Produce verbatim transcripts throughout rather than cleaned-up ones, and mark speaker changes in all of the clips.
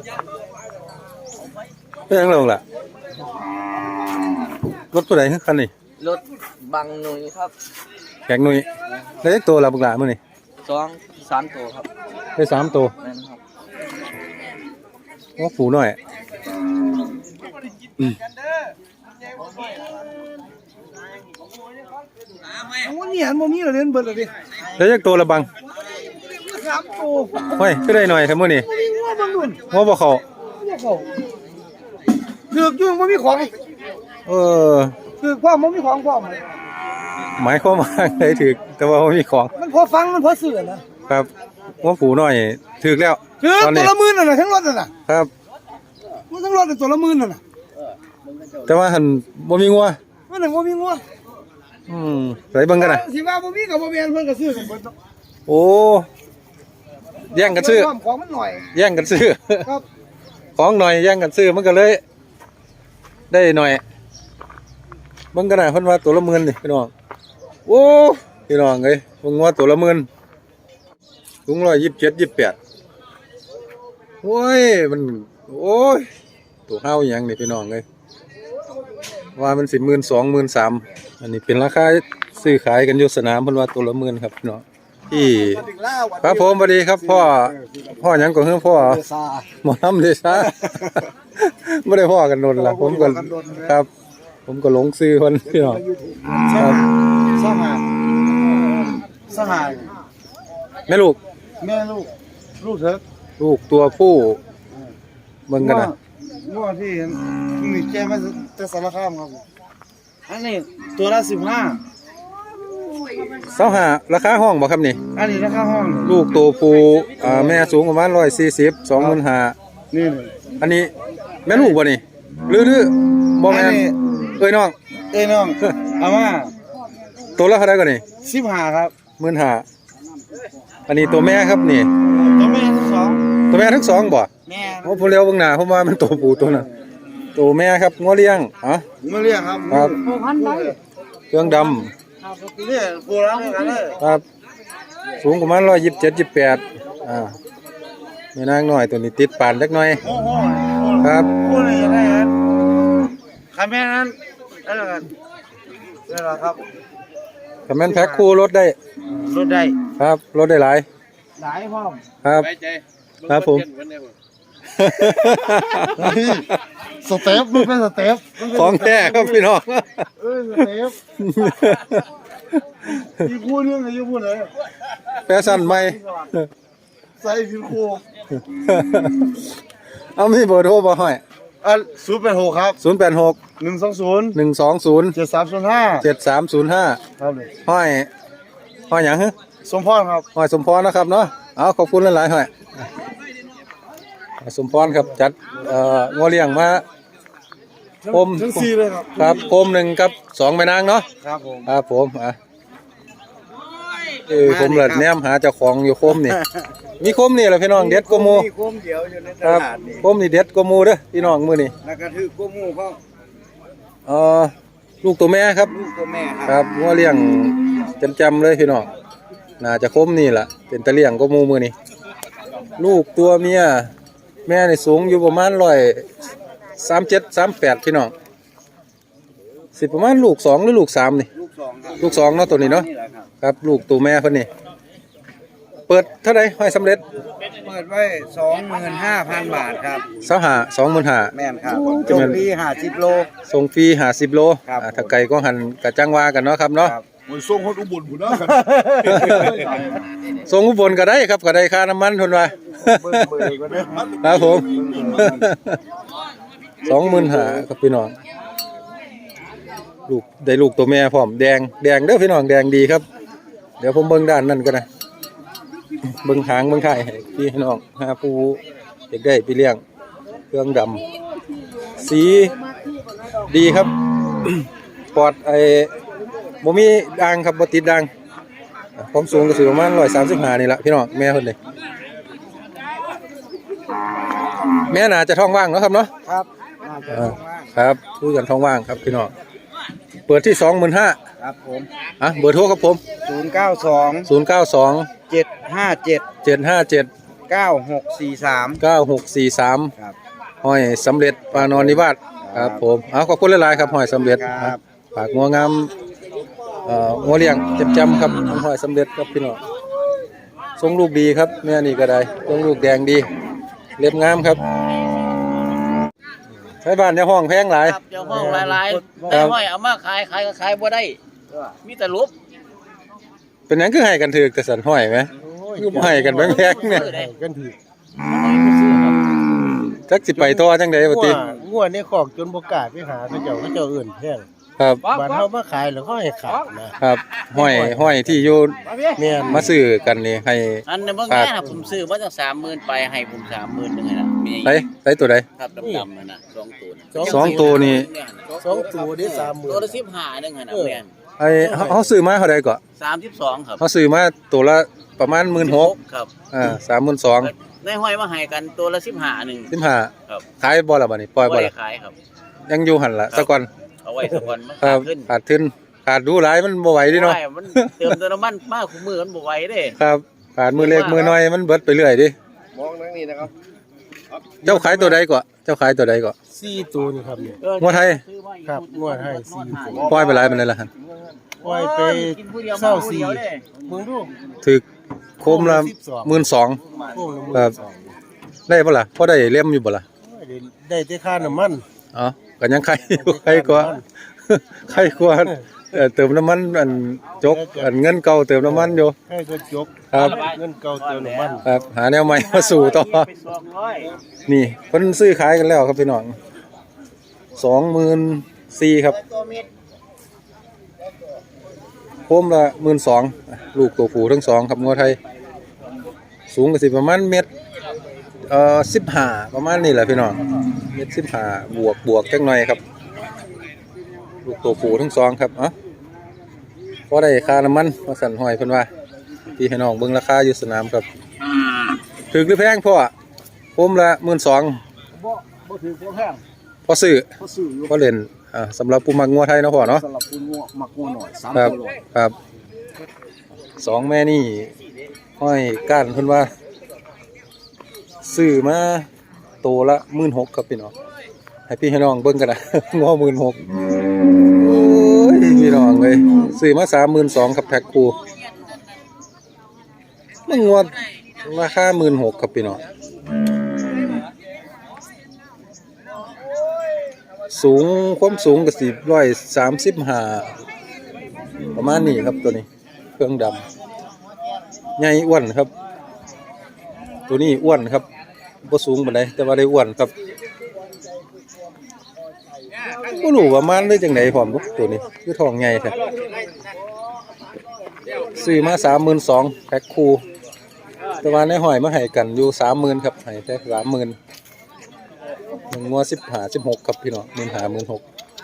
Speaker 1: เป็นยังไงล่ะรถตัวไหนคันนี้
Speaker 2: รถบังหนุ่ยครับ
Speaker 1: แขกหนุ่ยได้ตัวละบุกหลามื่อนี่
Speaker 2: สองสามตัวครับ
Speaker 1: ได้สามตัว
Speaker 2: นั่นครับ
Speaker 1: ว่าฝูหน่อย
Speaker 3: วันนี้หันโมมี่เราเล่นเบิร์ดเลยดิ
Speaker 1: ได้ยักตัวละบัง
Speaker 3: สามตัว
Speaker 1: เฮ้ยก็ได้หน่อยทั้งมื่อนี่
Speaker 3: ว่าบังดุน
Speaker 1: ว่าบ่เขา
Speaker 3: เถือกยุ่งโมมี่ของ
Speaker 1: เออ
Speaker 3: เถือกพ่อโมมี่ของพ่อ
Speaker 1: หมายความว่าไงถือแต่ว่ามีของ
Speaker 3: มันพอฟังมันพอเสื่อนะครับ
Speaker 1: ว่าฝูหน่อยถือแล้ว
Speaker 3: ถือตัวละหมื่นน่ะทั้งรถน่ะ
Speaker 1: ครับ
Speaker 3: มันทั้งรถตัวละหมื่นน่ะ
Speaker 1: แต่ว่าหันบ่มีงัว
Speaker 3: มันหนึ่งโมมี่งัว
Speaker 1: อืมไรเบิ่งกันนะ
Speaker 3: สิว่าโมมี่กับโมมี่เพิ่นก็ซื้อกันเบิด
Speaker 1: โอ้แย่งกันซื้อ
Speaker 3: ของมันหน่อย
Speaker 1: แย่งกันซื้อ
Speaker 3: ครับ
Speaker 1: ของหน่อยแย่งกันซื้อมันก็เลยได้หน่อยเบิ่งกันนะเพิ่นว่าตัวละหมื่นนี่พี่น้องโอ้พี่น้องเอ้ยเบิ่งว่าตัวละหมื่นถุงร้อยยี่สิบเจ็ดยี่สิบแปดโอ้ยมันโอ้ยตัวเฮาอย่างนี่พี่น้องเอ้ยว่ามันสิบหมื่นสองหมื่นสามอันนี้เป็นราคาซื้อขายกันอยู่สนามเพิ่นว่าตัวละหมื่นครับพี่น้องที่ครับผมสวัสดีครับพ่อพ่อยังก็คือพ่อหมอน้ำเดชาไม่ได้พ่อกันโดนละผมก็ครับผมก็หลงซื้อคนพี่น้องครับ
Speaker 3: สหายสหาย
Speaker 1: แม่ลูก
Speaker 3: แม่ลูกลูกเถอะ
Speaker 1: ลูกตัวผู้เบิ่งกันนะ
Speaker 3: ง้อที่มีแก้มาจะสารคามครับอันนี้ตัวละสิบห้า
Speaker 1: เสาหาราคาห้องบ่ครับนี่
Speaker 3: อันนี้ราคาห้อง
Speaker 1: ลูกตัวผู้อ่าแม่สูงประมาณร้อยสี่สิบสองหมื่นห้า
Speaker 3: นี่
Speaker 1: อันนี้แม่ลูกบ่นี่หรือหรือบ่แม่เอ้ยน้อง
Speaker 3: เอ้ยน้องเอามา
Speaker 1: ตัวละเท่าไหร่ก่อนนี่
Speaker 3: สิบห้าครับ
Speaker 1: หมื่นห้าอันนี้ตัวแม่ครับนี่
Speaker 3: ตัวแม่ทั้งสอง
Speaker 1: ตัวแม่ทั้งสองบ่
Speaker 3: แม่
Speaker 1: โอ้ผมเลี้ยวเบิ่งหน้าผมว่ามันตัวผู้ตัวน่ะตัวแม่ครับงัวเลี้ยงอ๋อ
Speaker 3: งัวเลี้ยงครับ
Speaker 1: ครับเครื่องดำ
Speaker 3: เนี่ยโบราณกันเลย
Speaker 1: ครับสูงประมาณร้อยยี่สิบเจ็ดยี่สิบแปดอ่ามีนางหน่อยตัวนี้ติดปานเล็กน้อยครับ
Speaker 3: พูดอะไรได้ครับคำแม่นั้นนั่นแหละนั่นแหละครับ
Speaker 1: คำแม่นแพ็คคู่รถได้
Speaker 3: รถได้
Speaker 1: ครับรถได้หลาย
Speaker 3: หลายพ่อ
Speaker 1: ครับครับผม
Speaker 3: สเต็ปมันเป็นสเต็ป
Speaker 1: ของแท้ครับพี่น้อง
Speaker 3: เออสเต็ปมีพูดเรื่องอะไรอยู่พูดเลย
Speaker 1: แฟชั่นใหม่
Speaker 3: ใส่ผิวโค
Speaker 1: เอามีเบอร์โทรบ่ห้อย
Speaker 3: อ่ะศูนย์แปดหกครับ
Speaker 1: ศูนย์แปดหก
Speaker 3: หนึ่งสองศูนย์
Speaker 1: หนึ่งสองศูนย์
Speaker 3: เจ็ดสามศูนย์ห้า
Speaker 1: เจ็ดสามศูนย์ห้า
Speaker 3: ครับเลย
Speaker 1: ห้อยห้อยหยังฮะ
Speaker 3: สมพรครับ
Speaker 1: ห้อยสมพรนะครับเนาะเอาขอบคุณหลายๆห้อยสมพรครับจัดเอ่องอเลี้ยงมาคม
Speaker 3: ทั้งสี่เลยครับ
Speaker 1: ครับคมหนึ่งกับสองแม่นางเนาะ
Speaker 3: ครับผม
Speaker 1: ครับผมอ่ะเออผมเลิศแนมหาเจ้าของอยู่คมนี่มีคมนี่แหละพี่น้องเด็ดกมู
Speaker 3: มีคมเดียวอยู่ในตลาดนี่
Speaker 1: คมนี่เด็ดกมูเด้อพี่น้องมือนี่
Speaker 3: แล้วก็ถือกมูเขา
Speaker 1: เอ่อลูกตัวแม่ครับ
Speaker 3: ลูกตัวแม่
Speaker 1: ครับงอเลี้ยงจำๆเลยพี่น้องน่าจะคมนี่แหละเป็นตะเลี้ยงกมูมือนี่ลูกตัวเมียแม่ในสูงอยู่ประมาณร้อยสามเจ็ดสามแปดพี่น้องสิประมาณลูกสองหรือลูกสามนี่
Speaker 3: ลูกสองครับ
Speaker 1: ลูกสองเนาะตัวนี้เนาะครับลูกตัวแม่เพิ่นนี่เปิดเท่าไหร่ให้สำเร็จ
Speaker 3: เปิดไว้สองหมื่นห้าพันบาทครับ
Speaker 1: สหาสองหมื่นห้า
Speaker 3: แม่นครับส่งฟรีห้าสิบโล
Speaker 1: ส่งฟรีห้าสิบโลถ้าไก่ก็หันกระจังวากันเนาะครับเนาะ
Speaker 3: ส่งคนอุบลบุญนะ
Speaker 1: ส่งอุบลก็ได้ครับก็ได้ค่าน้ำมันทนว่าครับผมสองหมื่นห้าครับพี่น้องลูกได้ลูกตัวแม่พร้อมแดงแดงเด้อพี่น้องแดงดีครับเดี๋ยวผมเบิ้งด้านนั่นก็ได้เบิ้งหางเบิ้งไข่ให้พี่น้องหาปูเด็กได้ไปเลี้ยงเครื่องดำสีดีครับปอดไอ้บ่มีด่างครับบ่ติดด่างความสูงก็สิประมาณร้อยสามสิบห้านี่แหละพี่น้องแม่คนนี้แม่น่าจะท้องว่างเนาะครับเนาะ
Speaker 3: ครับ
Speaker 1: ครับคุยกันท้องว่างครับพี่น้องเปิดที่สองหมื่นห้า
Speaker 3: ครับผม
Speaker 1: อ่ะเบอร์โทรครับผม
Speaker 3: ศูนย์เก้าสอง
Speaker 1: ศูนย์เก้าสอง
Speaker 3: เจ็ดห้าเจ็ด
Speaker 1: เจ็ดห้าเจ็ด
Speaker 3: เก้าหกสี่สาม
Speaker 1: เก้าหกสี่สาม
Speaker 3: ครับ
Speaker 1: ห้อยสำเร็จปานอนนิวาสครับผมเอาขอบคุณหลายๆครับห้อยสำเร็จ
Speaker 3: ครับ
Speaker 1: ฝากงัวงามเอ่องัวเลี้ยงจำจำครับของห้อยสำเร็จครับพี่น้องทรงลูกดีครับแม่นี่ก็ได้ทรงลูกแดงดีเล็บงามครับใช้บ้านในห้องแพงหลาย
Speaker 2: ครับเจ้าห้องหลายๆแต่ห้อยเอามาขายขายก็ขายบ่ได้มีแต่รูป
Speaker 1: เป็นหยังคือให้กันถือแต่สันห้อยไหมคือบ่ให้กันแพงๆเนี่ย
Speaker 3: กันถือ
Speaker 1: จักสิไปต่อจังได๋บ่ติ
Speaker 3: งัวในคอกจนบ่กล้าไปหาเขาเจ้าเขาเจ้าเอื่นแพง
Speaker 1: ครับ
Speaker 3: บาดเฮามาขายแล้วเขาให้ขายนะครับ
Speaker 1: ห้อยห้อยที่อยู่
Speaker 3: แม่น
Speaker 1: มาซื้อกันนี่ให้
Speaker 2: อันนี้บางแง่นะผมซื้อมาจากสามหมื่นไปให้ผมสามหมื่นนึงไงนะมี
Speaker 1: ไสไสตัวใด
Speaker 2: ครับดำๆนั่นนะสองตัวน่ะ
Speaker 1: สองตัวนี่
Speaker 3: สองตัวได้สามหมื่น
Speaker 2: ตัวละสิบห้านึงไงนะแม่น
Speaker 1: ไอ้เฮาเฮาซื้อมาเท่าใดก่อน
Speaker 2: สามสิบสองครับ
Speaker 1: เฮาซื้อมาตัวละประมาณ หนึ่งหมื่นหกพัน
Speaker 2: ครับ
Speaker 1: อ่า สามหมื่นสองพัน
Speaker 2: ในห้อยมาให้กันตัวละสิบห้าหนึ่ง
Speaker 1: สิบห้า
Speaker 2: ครับ
Speaker 1: ขายบ่ล่ะบัดนี้ปล่อยบ่
Speaker 2: บ่ได้
Speaker 1: ล่ะ
Speaker 2: ขายครับ
Speaker 1: ยังอยู่หั่นล่ะซะก่อน
Speaker 2: เอาไว้สักวันมัน
Speaker 1: ครั
Speaker 2: ขา
Speaker 1: บ
Speaker 2: ดขึ้น
Speaker 1: ขาดทุนขาดดูหลายมันบ่ไหวดิเนาะ
Speaker 2: โอ้ยมันเติมเติมน้ำมันมากคู่มือมันบ่ไหวเด้
Speaker 1: ครับขาดมือเล็กมือน้อยมันเบิดไปเรื่อยดิ
Speaker 3: มองนั่งนี่นะครับ
Speaker 1: เจ้าขายตัวใดก่อนเจ้าขายตัวใดก่อน
Speaker 3: สี่ตัวนี่ครับเนี่ย
Speaker 1: งัวไทย
Speaker 3: ครับงวดให้สี่ตัว
Speaker 1: ปล่อยไปหลายปานใดล่ะหั่น
Speaker 3: ปล่อยไปเศร้าสี่มึงดู
Speaker 1: ถึกโคมละ หนึ่งหมื่นสองพัน
Speaker 3: พวกละหมื่น
Speaker 1: ครับ
Speaker 3: สอง
Speaker 1: ได้บ่ล่ะพอได้เล่มอยู่บ่ล่ะ
Speaker 3: ได้ได้แต่ค่าน้ำมัน
Speaker 1: อ๋อก็ยังใครอยู่ใครกว่า ใครกว่าเอ่อเติมน้ำมันอันจกอันเงินเก่าเติมน้ำมันอยู่
Speaker 3: ให้ก็จบ
Speaker 1: ครับ
Speaker 3: เงินเก่าเติมน้ำมัน
Speaker 1: ครับหาแนวใหม่มาสู่ต่อ
Speaker 2: ไปสองร้อย
Speaker 1: นี่เพิ่นซื้อขายกันแล้วครับพี่น้องสองหมื่นสี่ครับโคมละหมื่นสองลูกตัวผู้ทั้งสองครับงัวไทย สูงก็สิประมาณเมตรเอ่อสิบห้าประมาณนี้แหละพี่น้องเมตรสิบห้าบวกบวกจักหน่อยครับลูกตัวผู้ทั้งสองครับเอ้าพอได้ค่าน้ำมันมาสั่นหอยเพิ่นว่าพี่ให้น้องเบิ่งราคาอยู่สนามครับถึกหรือแพงพ่อโคมละหมื่นสอง
Speaker 3: บ่บ่ถือบ่แพง
Speaker 1: พอซื้อ
Speaker 3: ก็ซื้ออยู่
Speaker 1: พอเล่นอ่าสำหรับผู้มักงัวไทยเนาะพ่อเนาะ
Speaker 3: สำหรับคุณงัวมักงัวหน่อยสาม
Speaker 1: ครับ
Speaker 3: ตัวร้อย
Speaker 1: ครับสองแม่นี่ห้อยก้านเพิ่นว่าซื้อมาโตละหมื่นหกครับพี่น้องให้พี่ให้น้องเบิ่งกันนะ งอหมื่นหกโอ้ยพี่น้องเลยซื้อมาสามหมื่นสองครับแพ็คคู่มันงวดราคาหมื่นหกครับพี่น้องสูงความสูงก็สิร้อยสามสิบห้าประมาณนี้ครับตัวนี้เครื่องดำใหญ่อ้วนครับ ตัวนี้อ้วนครับบ่สูงปานใดแต่ว่าได้อ้วนครับบ่รู้ว่ามันได้จังได๋พร้อมบ่ตัวนี้คือท้องใหญ่แท้ซื้อมา สามหมื่นสองพัน แพ็คคู่แต่ว่าในห้อยมาให้กันอยู่ สามหมื่น ครับให้แต่ สามหมื่น มันงัวสิบห้า สิบหกครับพี่น้อง หนึ่งห้า หนึ่งหก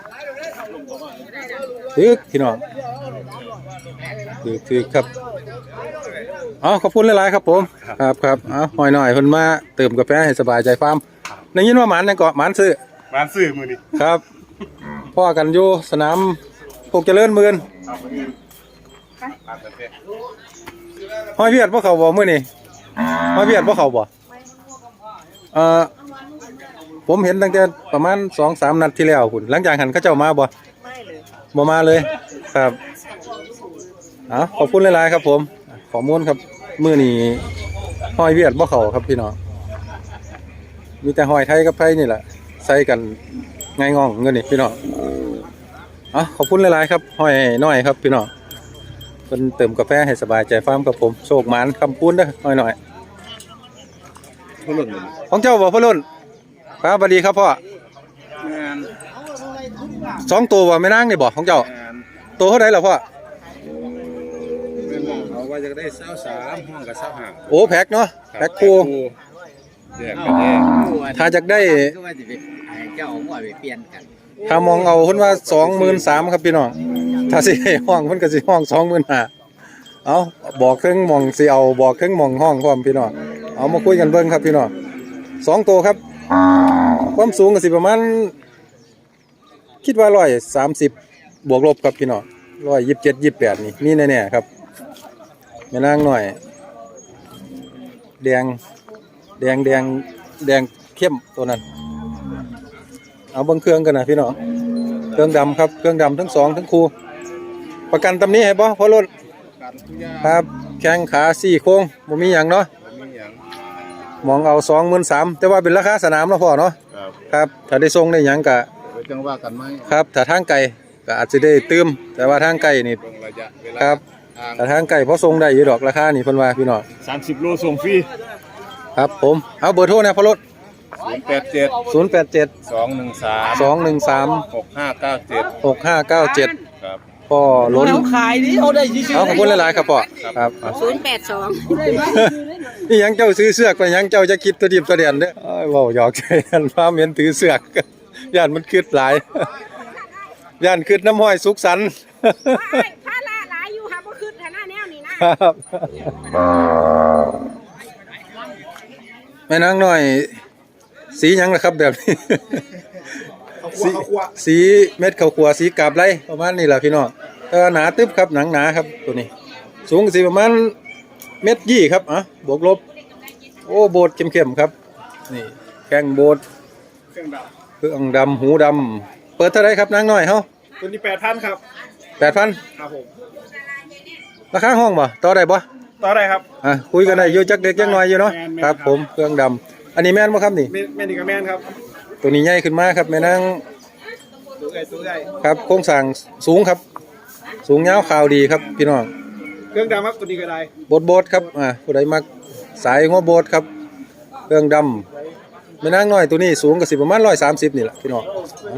Speaker 1: ตึกพี่น้องตึกตึกครับอ๋อขอบคุณหลายๆครับผมครับครับเอาหอยหน่อยเพิ่นมาเติมกาแฟให้สบายใจฟาร์มได้ยินว่าหมันนั่นก็หมันซื้อ
Speaker 4: ร้านซื้อมือนี่
Speaker 1: ครับพ่อกันอยู่สนามพวกเจริญเมืองหอยเวียดบ่เข้าบ่มื้อนี้หอยเวียดบ่เข้าบ่เอ่อผมเห็นตั้งแต่ประมาณ สองสาม นัดที่แล้วพุ่นหลังจากหันเขาเจ้ามาบ่ไม่เลยบ่มาเลยครับอ๋อขอบคุณหลายๆครับผมข้อมูลครับมื้อนี้หอยเวียดบ่เข้าครับพี่น้องมีแต่หอยไทยกับไทยนี่แหละใส่กันง่ายง่องเงินนี่พี่น้องอ๋อขอบคุณหลายๆครับหอยน้อยครับพี่น้องเพิ่นเติมกาแฟให้สบายใจฟาร์มกับผมโชคหมานคำพูนเด้อหอยน้อยของเจ้าบ่พ่อรุ่นครับสวัสดีครับพ่อ
Speaker 4: งาน
Speaker 1: สองตัวบ่แม่นางนี่บ่ของเจ้าง
Speaker 4: าน
Speaker 1: ตัวเท่าใดล่ะพ่อ
Speaker 4: เอาไว้จะได้เศร้าสามห้องกับเศร้าห่าง
Speaker 1: โอ้แพ็คเนาะแพ็คคู่
Speaker 4: เดือดกันแน่
Speaker 1: ถ้าอยากได้
Speaker 2: ก็ว่าสิไปให้เจ้าเอาหัวไปเปลี่ยนกัน
Speaker 1: ถ้ามองเอาเพิ่นว่า สองหมื่นสามพัน ครับพี่น้องถ้าสิให้ห้องเพิ่นก็สิห้อง สองหมื่นห้าพัน เอาบอกเครื่องหมองสิเอาบอกเครื่องหมองห้องพร้อมพี่น้องเอามาคุยกันเบิ่งครับพี่น้องสองตัวครับความสูงก็สิประมาณคิดว่าร้อยสามสิบบวกลบครับพี่น้องร้อยยี่สิบเจ็ดยี่สิบแปดนี่มีแน่ๆครับแม่นางหน่อยแดงแดงแดงแดงเข้มตัวนั้นเอาเบิ่งเครื่องกันนะพี่น้องเครื่องดำครับเครื่องดำทั้งสองทั้งคู่ประกันตำนี้ให้บ่พอรถ
Speaker 4: การทุกอย่าง
Speaker 1: ครับแข้งขาสี่โค้งบ่มีหยังเนาะ
Speaker 4: มีอย่าง
Speaker 1: มองเอา สองหมื่นสามพัน แต่ว่าเป็นราคาสนามเนาะพ่อเนาะ
Speaker 4: ครับ
Speaker 1: ครับถ้าได้ส่งได้หยังก็
Speaker 4: ไว้จังว่ากันไหม
Speaker 1: ครับถ้าทางไกลก็อาจจะได้ตื้มแต่ว่าทางไกลนี่
Speaker 4: เบิ่งระยะเวลา
Speaker 1: ครับ
Speaker 4: ทาง
Speaker 1: ถ้าทางไกลพอส่งได้อยู่ดอกราคานี่เพิ่นว่าพี่น้อง
Speaker 4: สามสิบโลส่งฟรี
Speaker 1: ครับผมเอาเบอร์โทรนะพ่อรถ
Speaker 4: ศูนย์แปดเจ็ด
Speaker 1: ศูนย์ แปด เจ็ด
Speaker 4: สองหนึ่งสาม
Speaker 1: สอง หนึ่ง สาม
Speaker 4: หกห้าเก้าเจ็ด
Speaker 1: หก ห้า เก้า เจ็ด
Speaker 4: ครับ
Speaker 1: พ่อล้น
Speaker 2: เขาขายดิเขาได้ชื่อ
Speaker 1: เอาขอบคุณหลายๆครับพ่อครับ
Speaker 5: ศูนย์แปดสอง
Speaker 1: นี่ยังเจ้าซื้อเสือกไปยังเจ้าจะคิดตัวดิบตัวเดียนเด้ออ้ายเว้าหยอกใจกันฟ้าเหม็นถือเสือกย่านมันคิดหลายย่านคิดน้ำห้อยสุขสันต์
Speaker 5: ผ้าละหลายอยู่ค่ะบ่ขึ้นฐานะแนวนี้นะครับ
Speaker 1: แม่นางน้อย สีหยังล่ะครับแบบนี้ สีสีเม็ดข้าวคั่วสีกาบไรประมาณนี้แหละพี่น้องแต่ว่าหนาตึ๊บครับหนังหนาครับตัวนี้ สูงสิประมาณเม็ดยี่ครับอ่ะบวกลบ โอ้โบดเข้มๆครับนี่แข้งโบด
Speaker 3: เครื่องด
Speaker 1: เครื่องดำหูดำเปิดเท่าไรครับนางน้อยเฮา
Speaker 3: ำตัวนี้แปดพันครับ
Speaker 1: แปดพัน
Speaker 3: ครับผม
Speaker 1: ราคาห้องบ่ต่อได้บ่
Speaker 3: ต่อได้ครับ
Speaker 1: อ่ะคุยกันได้อยู่จักเด็กจักน้อยอยู่เนาะ
Speaker 3: แม่นๆ
Speaker 1: ครับผมเครื่องดำอันนี้แม่นบ่ครับนี่
Speaker 3: เมนเมนิกาแมนครับ
Speaker 1: ตัวนี้ใหญ่ขึ้นมาครับแม่นาง
Speaker 3: ตัวใหญ่ตัวใหญ่
Speaker 1: ครับโครงสร้างสูงครับ สูงยาวขาวดีครับพี่น้อง
Speaker 3: เครื่องดำครับตัวนี้ก็ได้
Speaker 1: โบดโบดครับอ่าผู้ใดมักสายหัวโบดครับเครื่องดำแม่นางน้อยตัวนี้สูงก็สิประมาณร้อยสามสิบนี่แหละพี่น้อง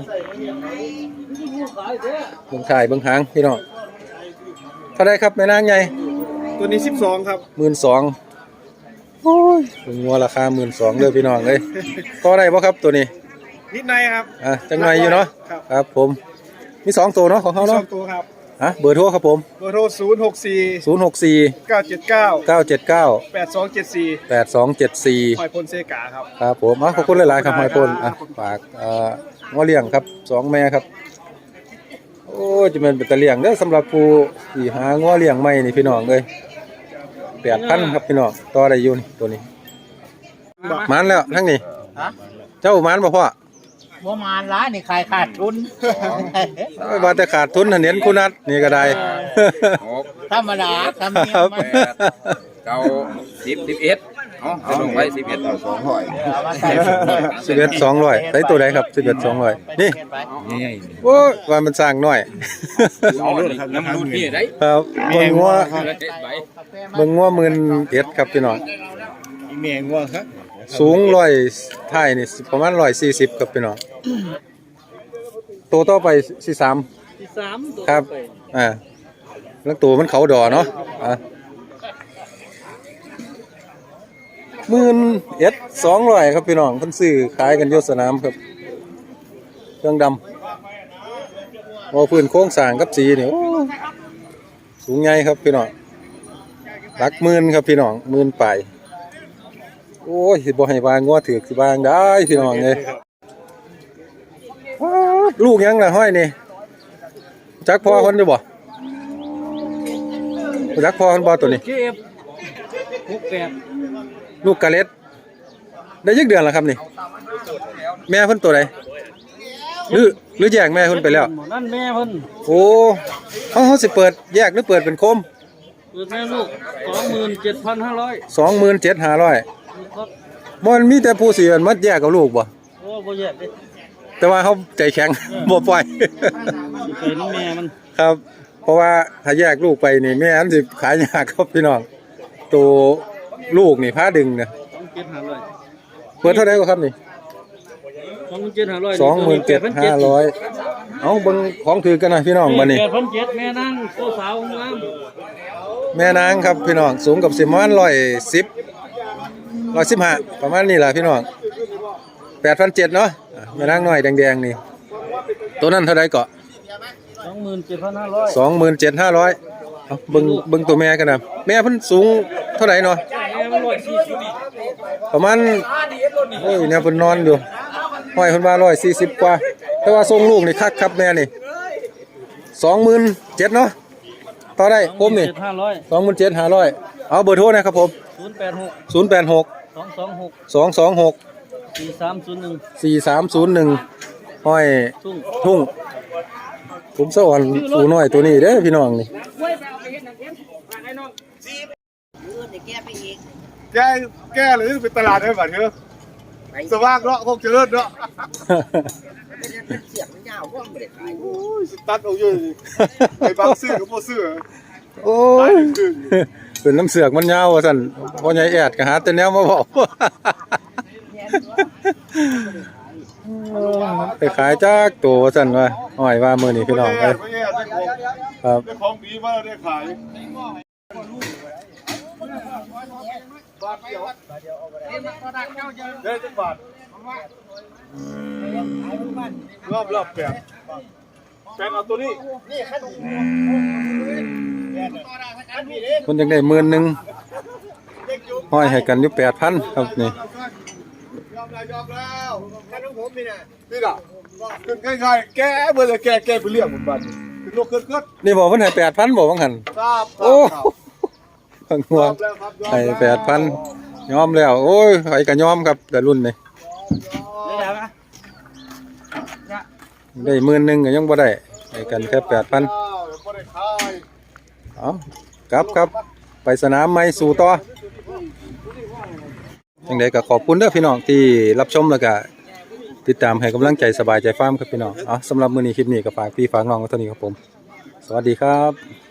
Speaker 1: เบิ่งถ่ายเบิ่งหางพี่น้องเท่าไรครับแม่นางใหญ่
Speaker 3: ตัวนี้สิบสองครับ
Speaker 1: หมื่นสองโอ้ยเบิ่งงัวราคาหมื่นสองเลยพี่น้องเลยต่อได้บ่ครับตัวนี้
Speaker 3: นิดในครับ
Speaker 1: อ่ะจังหน่อยอยู่เนาะ
Speaker 3: ครับ
Speaker 1: ครับผมมีสองตัวเนาะของเขา
Speaker 3: สอ
Speaker 1: เนาะ
Speaker 3: งตัวครับ
Speaker 1: ฮะเบอร์โทรครับผม
Speaker 3: เบอร์โทรศูนย์หกสี่
Speaker 1: ศูนย์ หก สี่
Speaker 3: เก้าเจ็ดเก้า
Speaker 1: เก้า เจ็ด เก้า
Speaker 3: แปดสองเจ็ดสี่
Speaker 1: แปด สอง เจ็ด สี่
Speaker 3: หอยพลเซกาครับ
Speaker 1: ครับผมอ่ะขอบคุณหลายๆครับหอยพลอ่ะฝากเอ่องัวเลี้ยงครับสองแม่ครับโอ้ยจะเป็นเป็นตะเลี้ยงเด้อสำหรับผู้ที่หางัวเลี้ยงใหม่นี่พี่น้องเลยแปดพันครับพี่น้องต่อได้อยู่นี่ตัวนี้หมานแล้วทั้งนี้
Speaker 2: ฮะ
Speaker 1: เจ้าหมานบ่พ่อ
Speaker 2: บ่มาร้านนี่ขายขาดทุน
Speaker 1: เอ้ยว่าแต่ขาดทุนหันเห็นคุณนัดนี่ก็ได้
Speaker 4: หก
Speaker 2: ธรรมดาทำเนีย
Speaker 1: ครั
Speaker 2: ม
Speaker 1: บ
Speaker 2: มัน
Speaker 4: เก้าสิบสิบเอ็ดเอาเอาลงไว้สิบเอ็ดเอาสองร้อย
Speaker 2: เอามาใส่
Speaker 1: สิบเอ็ดสองร้อยใส่ตัวไหนครับสิบเอ็ดสองร้อยนี่
Speaker 4: นี่ไง
Speaker 1: โอ้ยว่ามันสร้างน้อย
Speaker 4: เอาเลยครับน้ำรุ่นนี่ได้
Speaker 1: ครับเบิ่งงัว
Speaker 4: ใบ
Speaker 1: เบิ่งงัวหมื่นเอ็ดครับพี่น้อง
Speaker 3: เมียงัวครับ
Speaker 1: สูงร้อยท้ายนี่ประมาณร้อยสี่สิบครับพี่น้องตัวต่อไปสี่สาม
Speaker 2: ที่สามตัว
Speaker 1: ครับอ่าแล้วตัวมันเขาดอเนาะอ่ะหมื่นเอ็ดสองร้อยครับพี่น้องเพิ่นซื้อขายกันอยสนามครับเครื่องดำว่าพื้นโค้งสร้างกับสีนี่โอ้สูงใหญ่ครับพี่น้องหลักหมื่นครับพี่น้องหมื่นปลายโอ้ยสิบ่ให้วางงัวถือกสิวางได้พี่น้องเลยว้าวลูกยังล่ะห้อยนี่จักพ่อคนอยู่บ่จักพ่อคนบ่ตัวนี้
Speaker 2: เก็บหกแปด
Speaker 1: ลูกกะเล็ดได้ยักเดือนแล้วครับนี่ แม่เพิ่นตัวใดหรือหรือแยกแม่เพิ่นไปแล้ว
Speaker 2: นั่นแม่เพิ่น
Speaker 1: โอ้เขาเขาสิเปิดแยกหรือเปิดเป็นโคม
Speaker 2: เปิดแม่ลูกสองหมื่นเจ็ดพันห้าร้อย
Speaker 1: สองหมื่นเจ็ดห้าร้อย
Speaker 2: ครับ
Speaker 1: มันมีแต่ผู้เสียมัดแยกกับลูกบ่
Speaker 2: โอ้บ่แยกเด้
Speaker 1: แต่ว่าเขาใจแข็ง บ่ปล่อย
Speaker 2: สิไปน้ำแม่มัน
Speaker 1: ครับ เพราะว่าถ้าแยกลูกไปนี่แม่อันสิขายยากครับพี่น้องตัวลูกนี่พาดึงเนี่ย
Speaker 2: สองเจ็ดห้าร้อย
Speaker 1: เปิดเท่าไหร่ก็ครับนี่
Speaker 2: สองหมื่นเจ็ดห้าร้อย
Speaker 1: สองหมื่นเจ็ดห้าร้อยเอาเบิ่งของถือกันนะพี่น้องมานี่
Speaker 2: แปดพันเจ็ดแม่นั่งโตสาวงาม
Speaker 1: แม่นางครับพี่น้องสูงกับสิประมาณร้อยสิบร้อยสิบห้าประมาณนี้แหละพี่น้องแปดพันเจ็ดเนาะอ่ะแม่นางน้อยแดงๆนี่ตัวนั้นเท่าไรเกาะ
Speaker 2: สองหมื่นเจ็ดพันห้าร้อย
Speaker 1: สองหมื่นเจ็ดห้าร้อยเอาเบิ่งเบิ่งตัวแม่กันนะแม่เพิ่นสูงเท่าไหร่เนาะ
Speaker 2: แม่มันร้อยสี่สิบ
Speaker 1: ประมาณโอ้ยเนี่ยเพิ่นนอนอยู่ห้อยเพิ่นว่าร้อยสี่สิบกว่าแต่ว่าทรงลูกนี่คักครับแม่นี่สองหมื่นเจ็ดเนาะต่อได้คมนี่
Speaker 2: เจ็ดห้าร้อย
Speaker 1: สองหมื่นเจ็ดห้าร้อยเอาเบอร์โทรนะครับผม
Speaker 2: ศูนย์แปดหก
Speaker 1: ศูนย์แปดหก
Speaker 2: สองสองหก
Speaker 1: สองสองหก
Speaker 2: สี่สามศูนย์หนึ่ง
Speaker 1: สี่สามศูนย์หนึ่งห้อย
Speaker 2: ทุ่ง
Speaker 1: ทุ่งผมสวรรค์ปูน้อยตัวนี้เด้อพี่น้องนี่
Speaker 3: แก้แก้เลยเป็นตลาดได้บัดเถอะสว่างเนาะคงเจริญเนาะโอ้ยสตัดเอาอยู่ดิไอ้บางซื้อก็บ่ซื้อ
Speaker 1: โอ้ยเป็นน้ำเสือกมันยาวว่าซั่นพ่อใหญ่แอดก็หาแต่แนวมาบอก ไปขายจากตัวว่าซั่นว่าห้อยว่ามื้อนี้พี่น้องเอ้ย
Speaker 3: ไม่แย่ได้ของ
Speaker 1: ครับ
Speaker 3: ได้ของดีมาได้ขายบาทเดียวได้จักบาทรอบรอบแปดแปดเอาตัวนี้
Speaker 1: คนจังได้หมื่นหนึงห้อยให้กันอยู่ แปดพัน ครับนี่
Speaker 3: ยอมแล้วยอมแล้วแค่น้องผมนี่น่ะนี่น่ะขึ้นง่ายๆแก้เบิ่เลยแก้แก้ไปเรื่องหมดบัดนี้ขึ้นโลกขึ้นขึ้น
Speaker 1: นี่บอกเพิ่นให้ แปดพัน บ่ว่างั้น
Speaker 3: ครับ
Speaker 1: โอ้ฟังหัวย
Speaker 3: อมแล้วครับยอม
Speaker 1: ให้
Speaker 3: แล้ว
Speaker 1: แปดพัน ยอมแล้ว โอ้ยไผก็ยอมครับแต่รุ่นนี้ได้หมื่นหนึงก็ยังบ่ได้ให้กันแค่ แปดพัน
Speaker 3: บ่ได้ขาย
Speaker 1: เอาครับครับไปสนามใหม่สู่ต่อจังไดก็ขอบคุณเด้อพี่น้องที่รับชมแล้วก็ติดตามให้กำลังใจสบายใจฟาร์มครับพี่น้องเอาสำหรับมื้อนี้คลิปนี้ก็ฝากพี่ฝากน้องไว้เท่านี้ครับผมสวัสดีครับ